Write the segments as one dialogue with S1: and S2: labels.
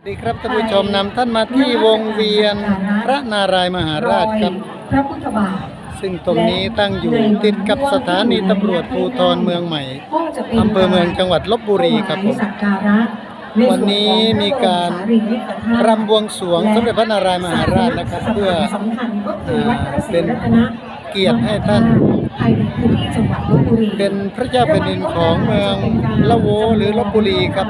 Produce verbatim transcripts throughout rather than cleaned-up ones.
S1: สวัสดีครับท่านผู้ชมนำท่านมาที่วงเวียนพระนารายมหาราชครับ
S2: พระพุทธบาท
S1: ซึ่งตรงนี้ตั้งอยู่ติดกับสถานีตำรวจภูธรเมืองใหม่อำเภอเมืองจังหวัดลพบุรีครับผมวันนี้มีการรำบวงสรวงสมเด็จพระนารายมหาราชนะครับเพื่อเป็นเกียรติให้ท่านเป็นพระเจ้าแผ่นดินของเมืองละโวหรือลพบุรีครับ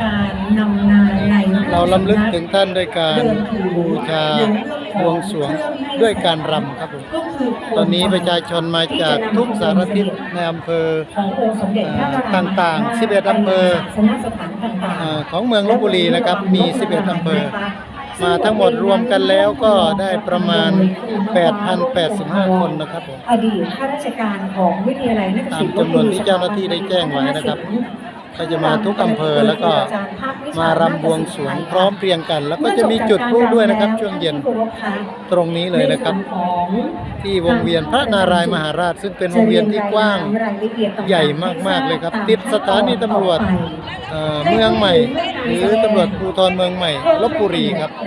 S1: เราลำลึกถึงท่านด้วยการบูชาบวงสรวงด้วยการรำครับผมตอนนี้ประชาชนมาจากทุกสารทิศในอำเภอต่างๆสิบเอ็ดอำเภอของเมืองลพบุรีนะครับมีสิบเอ็ดอำเภอมาทั้งหมดรวมกันแล้วก็ได้ประมาณ แปดพันแปดสิบห้า คนนะครับผม
S2: อดีตข้าราชการของวิทยาลัยนัก
S1: ตามจำนวนที่เจ้าหน้าที่ได้แจ้งไว้นะครับก็จะมาทุกอำเภอแล้วก็มารำบวงสรวงพร้อมเพรียงกันแล้วก็จะมีจุดพลุด้วยนะครับช่วงเย็นตรงนี้เลยนะครับที่วงเวียนพระนารายมหาราชซึ่งเป็นวงเวียนที่กว้างใหญ่มากๆเลยครับติดสถานีตำรวจเมืองใหม่หรือตำรวจภูธรเมืองใหม่ลพบุรีครับ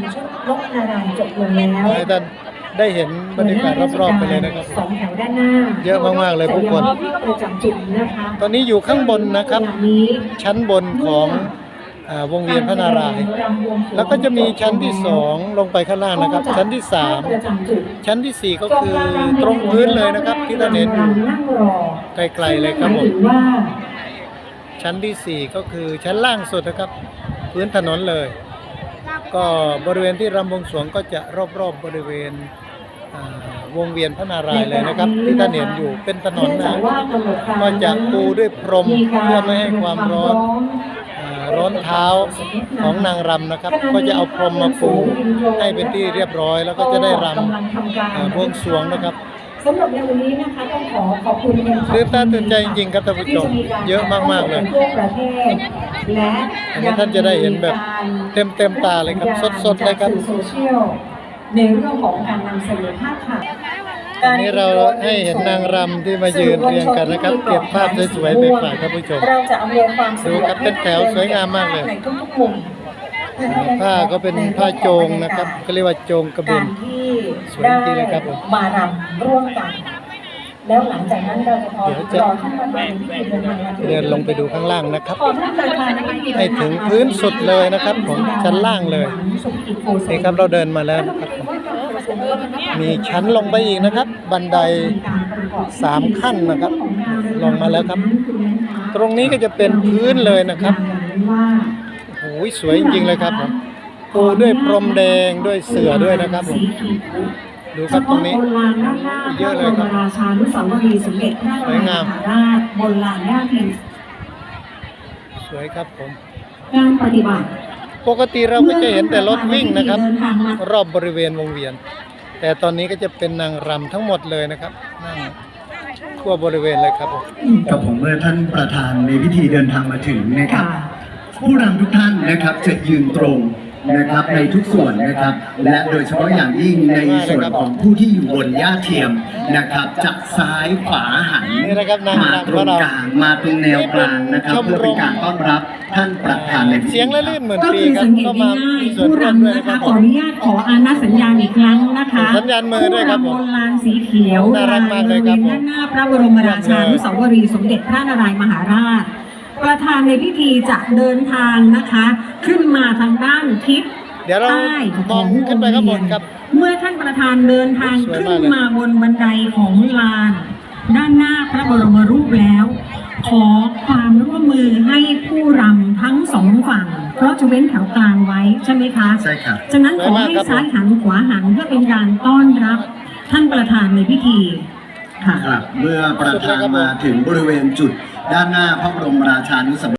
S1: ให้ท่านได้เห็นบรรยากาศรอบๆไปเลยนะครับ
S2: สองแถวด้านหน้า
S1: เยอะมากๆเลยผู้คนตอนนี้อยู่ข้างบนนะครับชั้นบนของวงเวียนพระนารายณ์แล้วก็จะมีชั้นที่สองลงไปข้างล่างนะครับชั้นที่สามชั้นที่สี่ก็คือตรงพื้นเลยนะครับที่ท่านเห็นไกลๆเลยครับผมชั้นที่สี่ก็คือชั้นล่างสุดนะครับพื้นถนนเลยก็บริเวณที่รำบวงสรวงก็จะรอบๆ บบริเวณวงเวียนพระนารายณ์เลยนะครับที่ท่านเห็นอยู่เป็นถนนนะก็จะปูด้วยพรมเพื่อไม่ให้ความร้อนร้อนเท้าของนางรำนะครับก็จะเอาพรมมาปูให้เป็นที่เรียบร้อยแล้วก็จะได้รำบวงสรวงนะครับ
S2: สำหรับในวันนี้นะคะต้องขอขอบคุณ
S1: ตื่นตาตื่นใจจริงๆครับท่านผู้ชมเยอะมากๆเลย
S2: และ
S1: อันนี้ท่านจะได้เห็นแบบเต็มๆตาเลยครับสดๆเลยครับ
S2: ในเรื่องของการนำเสนอภาพข่าว
S1: อันนี้เราให้เห็นนางรำที่มายืนเรียงกันนะครับเก็บภาพสวยๆไปฝากท่านผู้ชม
S2: เราจะอำนวยความสะดวก
S1: ดูครับเป็นแถวสวยงามมากเลยผ้าก็เป็นผ้าโจงนะครับก็เรียกว่าโจงกระเบนสวยจริงเลยครับผม
S2: มารำร่วมกันแล้วหลังจากนั้นเราจะพอรอท่านประธาน
S1: เดินลงไปดูข้างล่างนะครับให้ถึงพื้นสุดเลยนะครับผมชั้นล่างเลยนี่ครับเราเดินมาแล้วนะครับมีชั้นลงไปอีกนะครับบันไดสามขั้นนะครับลงมาแล้วครับตรงนี้ก็จะเป็นพื้นเลยนะครับโอ้ยสวยจริงๆเลยครับผมปูด้วยพรมแดงด้วยเสื่อด้วยนะครับผมดูครับตรงนี้เยอะเลยครับ
S2: ราชานุสาวรีย์สมเด็จพระนารายมหาราชบนลานย่าพิน
S1: สวยครับผม
S2: การปฏิบัติ
S1: ปกติเราก็จะเห็นแต่รถวิ่งนะครับรอบบริเวณวงเวียนแต่ตอนนี้ก็จะเป็นนางรำทั้งหมดเลยนะครับนั่งทั่วบริเวณเลยครับผม
S3: กับผมเมื่อท่านประธานในพิธีเดินทางมาถึงนะครับผู้รำทุกท่านนะครับจะยืนตรงนะครับในทุกส่วนนะครับและโดยเฉพาะอย่างยิ่งในส่วนของผู้ที่อยู่บนหญ้าเทียมนะครับจากซ้ายขวาหันมาตรงกลางมาตรงแนวกลางนะครับเพื่อเป็นการต้อนรับท่านประธานใน
S1: เสียงและลื่นเหมือน
S2: ปีครับก็มาผู้รำนะคะขออนุญาตขออานัสัญญาณอีกครั้งนะคะ
S1: สัญญาณมือด้วยครับผม
S2: บนลานสีเขียว
S1: น่ารักมากเลยครับ
S2: ด้านหน้าพระบรมราชานุสาวรีย์สมเด็จพระนารายมหาราชประธานในพิธีจะเดินทางนะคะขึ้นมาทางด้านทิศ
S1: เดี๋ยวเรามองขึ้นไปข้างบนครับ
S2: เมื่อท่านประธานเดินทางขึ้นมาบนบันไดของลานด้านหน้าพระบรมรูปแล้วขอความร่วมมือให้ผู้รำทั้งสองฝั่งเพราะจะเว้นแถวกลางไว้ใช่ไหมคะ
S3: ใช่ครับ
S2: ฉะนั้นขอให้ซ้ายหันขวาหันเพื่อเป็นการต้อนรับท่านประธานในพิธี
S3: ค่ะเมื่อประธานมาถึงบริเวณจุดด้านหน้าพระบรมราชานุสาวรีย์